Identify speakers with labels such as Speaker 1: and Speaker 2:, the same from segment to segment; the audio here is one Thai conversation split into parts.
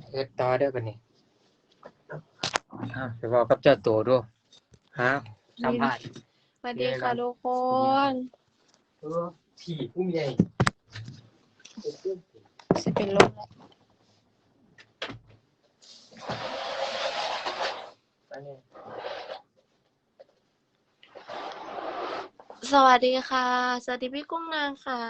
Speaker 1: เฮ็ดต่อเด้อบัดนี้ไปบอกกับเจ้าตัวดูฮะสัมภาษณ์
Speaker 2: สวัสดีค่ะทุกคน
Speaker 1: ที่ผู้ใหญ่
Speaker 2: สิเป็นลมแล้วสวัสดีค่ะสวัสดีพี่กุ้งนางค่ะ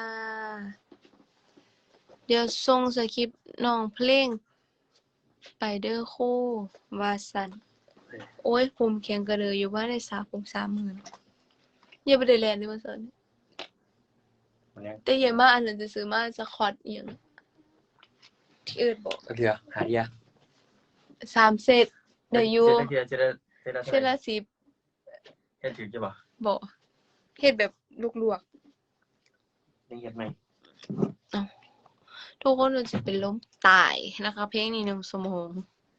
Speaker 2: เดี๋ยวส่งสคริปต์น้องเพลงไปเด้อคู่วาสันโอ้ยผมแข็งกระเดยอยู่ว่าได้30,000อย่าไปได้แลนด์ดิว่าซั่นแต่อย่ามาอันนั้นจะซื้อมาสคอตอีหยังที่อื่นบอก
Speaker 1: เดี๋ยวหาเดีย
Speaker 2: 3เซตได้อยู่
Speaker 1: เซตละ
Speaker 2: 10
Speaker 1: เฮ็ดถือจะบ่
Speaker 2: บ่เฮ็ดแบบลวก
Speaker 1: ๆยังเฮ็ดไหม
Speaker 2: ๆอ้าวทุกคนมันจะเป็นลมตายนะคะเพลงนี้1 ชั่วโมง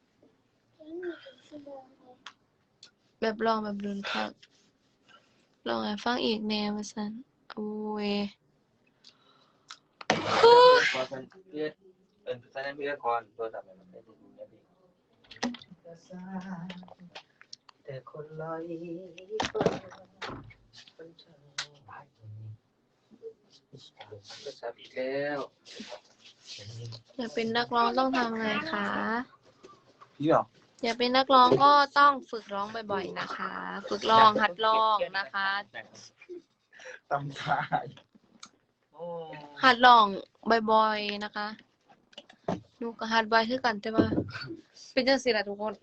Speaker 2: แบบร้องแบบรุนคักร้องให้ฟังอีกแนวว่าซั่นโอ้ย
Speaker 1: พอซั่นเอื้อซั่นนั้นเอื้อก่อนโทรศัพท์มันได้ดูได้ดีแต่คนลอยฟ้าคนช่างพายโทรศัพท์อีกแล้ว
Speaker 2: อยากเป็นนักร้องต้องทำไงคะ
Speaker 1: พี่หรอ
Speaker 2: อยากเป็นนักร้องก็ต้องฝึกร้องบ่อยๆนะคะฝึกร้องหัดร้องนะคะ
Speaker 1: ตำทาย
Speaker 2: หัดร้องบ่อยๆนะคะหนูก็หัดบ่อยคือกันแต่ว่าเป็นจังซี่ล่ะทุกคน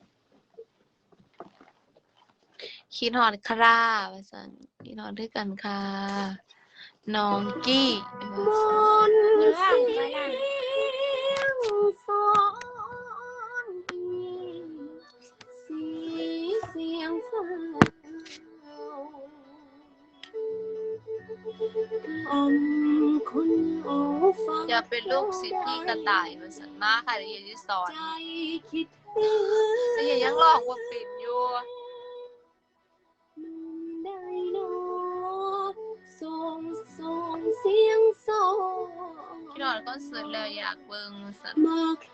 Speaker 2: คิดฮอดคราว่าซั่นคิดฮอดคือกันค่ะน้องกี้ว่าซั่นสอนเสียงฟ้าอย่าเป็นลูกศิษย์พี่กระต่ายว่าซั่นมาค่ะเดี๋ยวจะสอนแต่ยังร้องบ่เป็นอยู่พี่นอนคอนเสิร์ตแล้วอยากเบิ่งสัตว์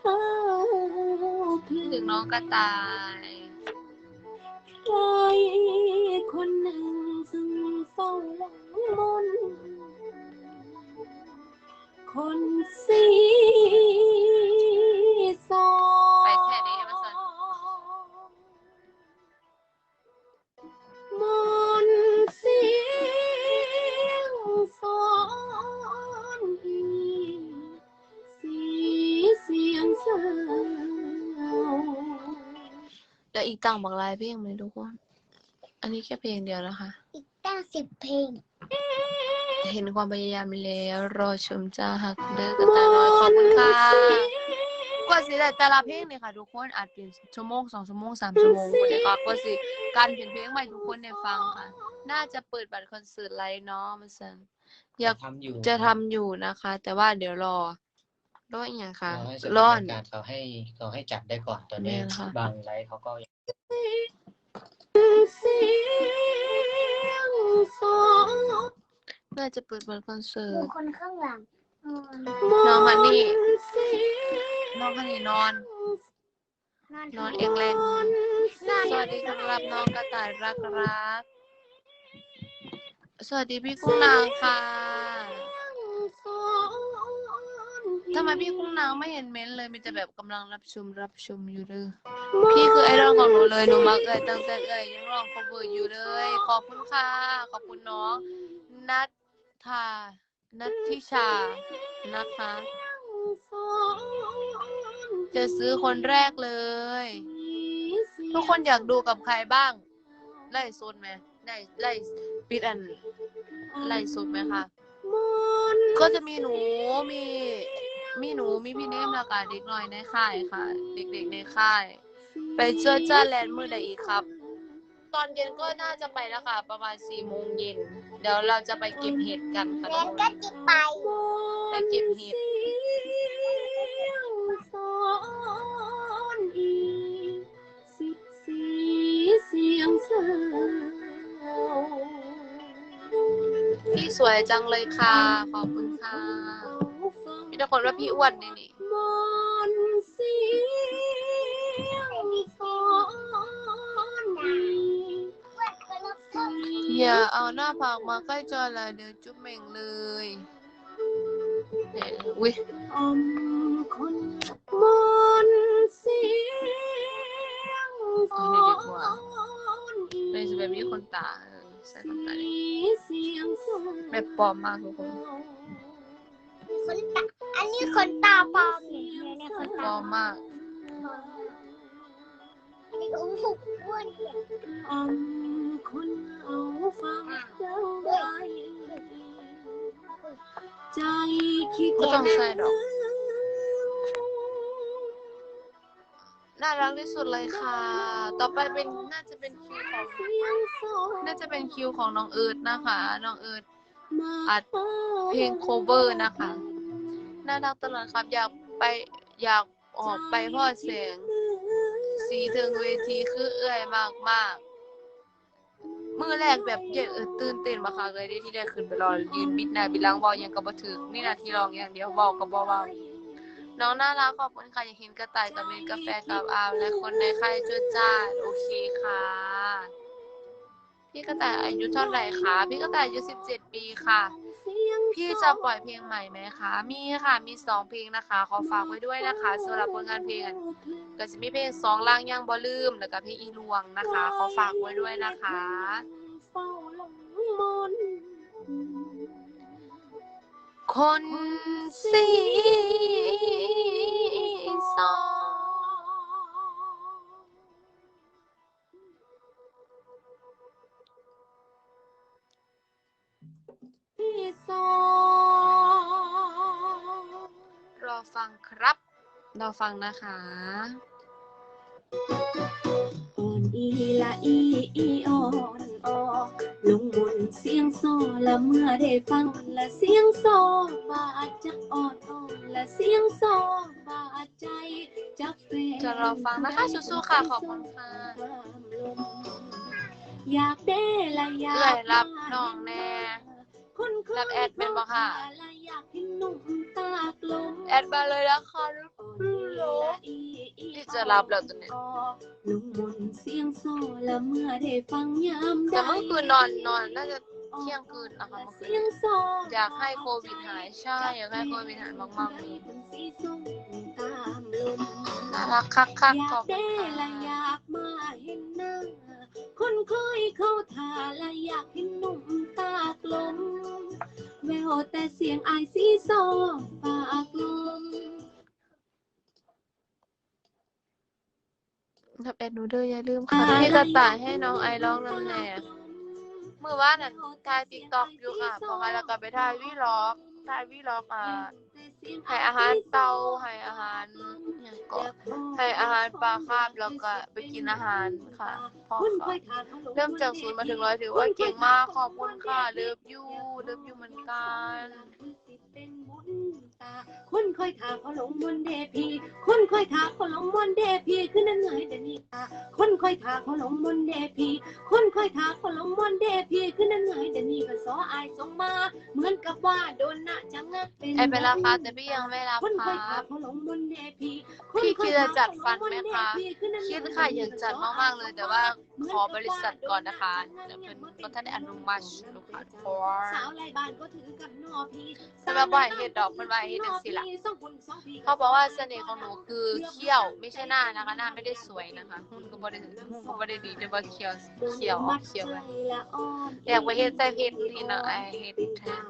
Speaker 2: ถึงน้องกระต่ายใครคนหนึ่งซึ่งเฝ้าหวังมนคนสีสอไปแค่นี้มาสัตว์มนเสียงสอนเสียงเศร้าแล้วอีกตั้งบักหลายเพลงไหมทุกคนอันนี้แค่เพลงเดียวนะคะ
Speaker 3: อีกตั้ง10 เพลง
Speaker 2: เห็นความพยายามแล้วรอชมจ้าหักเด้อกระต่ายน้อยขอบคุณค่ะกว่าสิได้แต่ละเพลงเนี่ยค่ะทุกคนอาจเป็นชั่วโมง2 ชั่วโมง3 ชั่วโมงคนเดียวก็กว่าสิการเขียนเพลงใหม่ทุกคนได้ฟังค่ะน่าจะเปิดบัตรคอนเสิร์ตไลฟ์เนาะมันซั่นอยากจะทำอยู่นะคะ แต่ว่าเดี๋ยวรออีกอย่างค่ะรอ
Speaker 1: การเขาให้จัดได้ก่อนตอนนี้บางไลฟ์เขาก็
Speaker 2: น่าจะเปิดบัตรคอนเสิร์ต
Speaker 3: คนข้างหลัง
Speaker 2: น้องฮันนี่นอนเองแรงสวัสดีครับน้องกระต่ายรักสวัสดีพี่กุ้งนางค่ะทำไมพี่กุ้งนางไม่เห็นเม้นเลยมีแต่แบบกำลังรับชมอยู่เลยพี่คือไอดอลของหนูเลยหนูมักตั้งแต่ยังร้อง cover อยู่เลยขอบคุณค่ะขอบคุณน้องนัทธิชานะคะจะซื้อคนแรกเลยทุกคนอยากดูกับใครบ้างไล่สดไหมไล่ปิดไล่สดไหมคะก็จะมีหนูมีพี่เนมแล้วก็เด็กน้อยในค่ายค่ะเด็กๆในค่ายไปเจอจ้าแลนด์มื้อใดอีกครับตอนเย็นก็น่าจะไปแล้วค่ะประมาณ4 โมงเย็นเดี๋ยวเราจะไปเก็บเห็ดกันค่ะ
Speaker 3: แล้วก็จะไป
Speaker 2: เก็บเห็ดพี่สวยจังเลยค่ะขอบคุณค่ะพี่ทุกคนว่าพี่อ้วนนี่อย่าเอาหน้าผากมาใกล้จอละเดี๋ยวจุ๊บเหม่งเลยอุ้ย
Speaker 3: คนมนเสียงฝน
Speaker 2: เลยจะแบบนี้คนตาใส่คนตาดิ
Speaker 3: เสียงฝน
Speaker 2: แบบปลอมมากทุกคน
Speaker 3: คนตาอันนี้คนตาปลอมเนี่ยคน
Speaker 2: ปล
Speaker 3: ตา
Speaker 2: อมมาก
Speaker 3: อันนี้อุ้มหุบอ้วนคนเอาฟังได้ใจคิด
Speaker 2: ก็ต้องใส่ดอกน่ารักที่สุดเลยค่ะ ต่อไปเป็นน่าจะเป็นคิวของน้องเอิร์ธนะคะ น้องเอิร์ธอัดเพลงโคเวอร์นะคะ น่ารักตลอดครับ อยากออกไปพ่อเสียงสีถึงเวทีคือเอื้อยมากมือแรกแบบเย็นตื่นเต้นมากค่ะเลยที่ได้ขึ้นไปรอยืนบิดหน้าบิดหลังบอกยังกับบ่ถึงนี่นาทีร้องอย่างเดียวบอกกับบ่เว้าน้องน่ารักขอบคุณค่ะอยากเห็นกระต่ายกับเมนกาแฟกับอามและคนในค่ายจุดจ้าโอเคค่ะพี่กระต่ายอายุเท่าไหร่คะพี่กระต่ายอายุ17 ปีค่ะพี่จะปล่อยเพลงใหม่ไหมคะมีค่ะมี2เพลงนะคะขอฝากไว้ด้วยนะคะสำหรับผลงานเพลงก็จะมีเพลง2ล่างยังบ่ลืมแล้วก็เพลงอีลวงนะคะขอฝากไว้ด้วยนะคะคนสีซอรอฟังครับรอฟังนะคะ
Speaker 3: อ่อนอีละอีอ่อนออกลงมนเสียงโซละเมื่อได้ฟังละเสียงโซบาดจะอ่อนละเสียงโซบาดใจจะเฟ
Speaker 2: จะรอฟังนะคะสู้ๆค่ะขอบคุณค่ะ
Speaker 3: อยากได้ละอยาก
Speaker 2: เอื้อยรับน้องแน่รับแอดเป็นบ่ค่ะแอดมาเลยนะคะที่จะรับแล้วตัวนี้แต่เมื่อคืนนอนน่าจะเที่ยงคืนนะคะเมื่อคืนอยากให้โควิดหายใช่อยากให้โควิดหายมากๆเลยน่ารักคักๆขอบคุณค่ะ
Speaker 3: คนคอยเข้าทาและอยากเห็นหนุ่มตากลมแววแต่เสียงอายสีซอปากลม
Speaker 2: ทับแอดหนูเด้ออย่าลืมค่ะพี่กระต่ายให้น้องไอร้องน้ำแหน่เมื่อวานนั้นถ่ายติ๊กต็อกอยู่ค่ะพอค่ะแล้วก็ไปถ่ายวีล็อกให้อาหารเต่าให้อาหารอย่างก่อนให้อาหารปลาคาบแล้วก็ไปกินอาหารค่ะพ่อค่ะเริ่มจาก0มาถึง100ถือว่าเก่งมากขอบคุณค่ะเลิฟยูเหมือนกัน
Speaker 3: คนคอยถาเขาลงมนเดพีคนคอยถาเขาลงมนเดพีคือนั่นไงเดนี่คนคอยถาเขาลงมนเดพีคนคอยถาเขาลงมนเดพีคือนั่นไงเดนี่ก็สออายส่งมาเหมือนกับว่าโดนนะจังนะ
Speaker 2: ไอเป็นราคาแต่พี่ยังไม่รับครับพี่คิดจะจัดฟันไหมคะคิดค่ะอยากจัดมากๆเลยแต่ว่าขอบริษัทก่อนนะคะเดี๋ยวเป็นก็ท่านได้อนุมัติลูกค้าพอสำหรับว่าเฮ็ดดอกมันว่าเฮ็ดจังซี่ล่ะเขาบอกว่าเสน่ห์ของหนูคือเขี้ยวไม่ใช่หน้านะคะหน้าไม่ได้สวยนะคะหุ่นก็บ่ได้ดีแต่ว่าเขี้ยวออกเขี้ยวไว้อยากไปเฮ็ดแต่เพชรที่น้องไอเฮ็ดแทน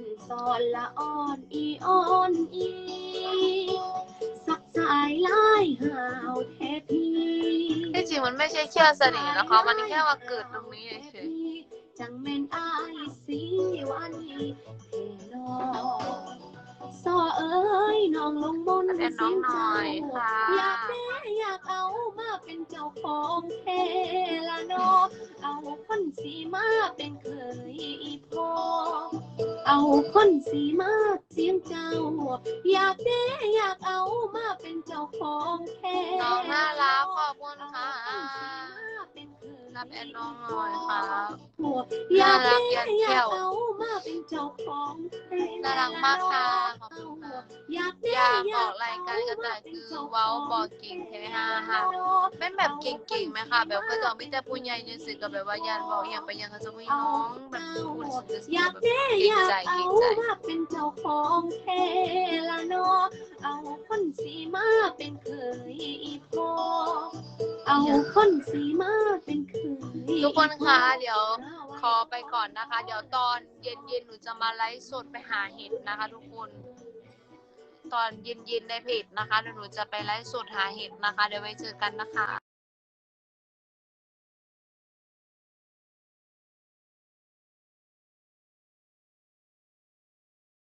Speaker 3: สักสายลายหาวแท้พี่
Speaker 2: ที่จริงมันไม่ใช่เขี้ยวเสน่ห์นะคะมันแค่ว่าเกิดตรงนี้เฉย
Speaker 3: จังแม่นอายสีวันเทนอซอเอ้ยน้องลงบน
Speaker 2: แต่น้องหน่อยค่ะ
Speaker 3: อยากเอามาเป็นเจ้าของเทละนอเอาคนสีมาเป็นเคยพอเอาคนสีมาเสียงเจ้าอยากเอามาเป็นเจ้าของแท้
Speaker 2: น้องน่ารักขอบคุณค่ะน่าบแอนน้องหน่อยครับ
Speaker 3: อยาก
Speaker 2: น่ารักยัน
Speaker 3: อยา
Speaker 2: แก้
Speaker 3: ก
Speaker 2: ว
Speaker 3: เอามาเป็นเจ้าของ
Speaker 2: น่ารักมากค่ะขอบคุณค่ะ
Speaker 3: อยาก
Speaker 2: อยากออกรายการก็แต่คือเว้าบอกเก่งแท้ฮ่าฮ่าเป็นแบบเก่งๆไหมคะแบบก็จะไม่แต่ผู้ใหญ่ยังสึกกับแบบว่ายันบอกอย่างไปยังก็จะไม่น้องแบบพูดสึก
Speaker 3: อยาก
Speaker 2: แบบ
Speaker 3: แน่
Speaker 2: เก่
Speaker 3: อง ยาก
Speaker 2: ใจ
Speaker 3: เอา
Speaker 2: เก่งใจ
Speaker 3: มาเป็นเจ้าของแท้ละเนาะเอาคนสีมาเป็นเคยอีพอเอาคนสีมาเป็นเคย
Speaker 2: ทุกคนคะเดี๋ยวขอไปก่อนนะคะ เดี๋ยวตอนเย็นๆหนูจะมาไลฟ์สดไปหาเห็ดนะคะ ทุกคน ตอนเย็นๆในเพจนะคะเดี๋ยวหนูจะไปไลฟ์สดหาเห็ดนะคะ เดี๋ยวไว้เจอกันนะคะ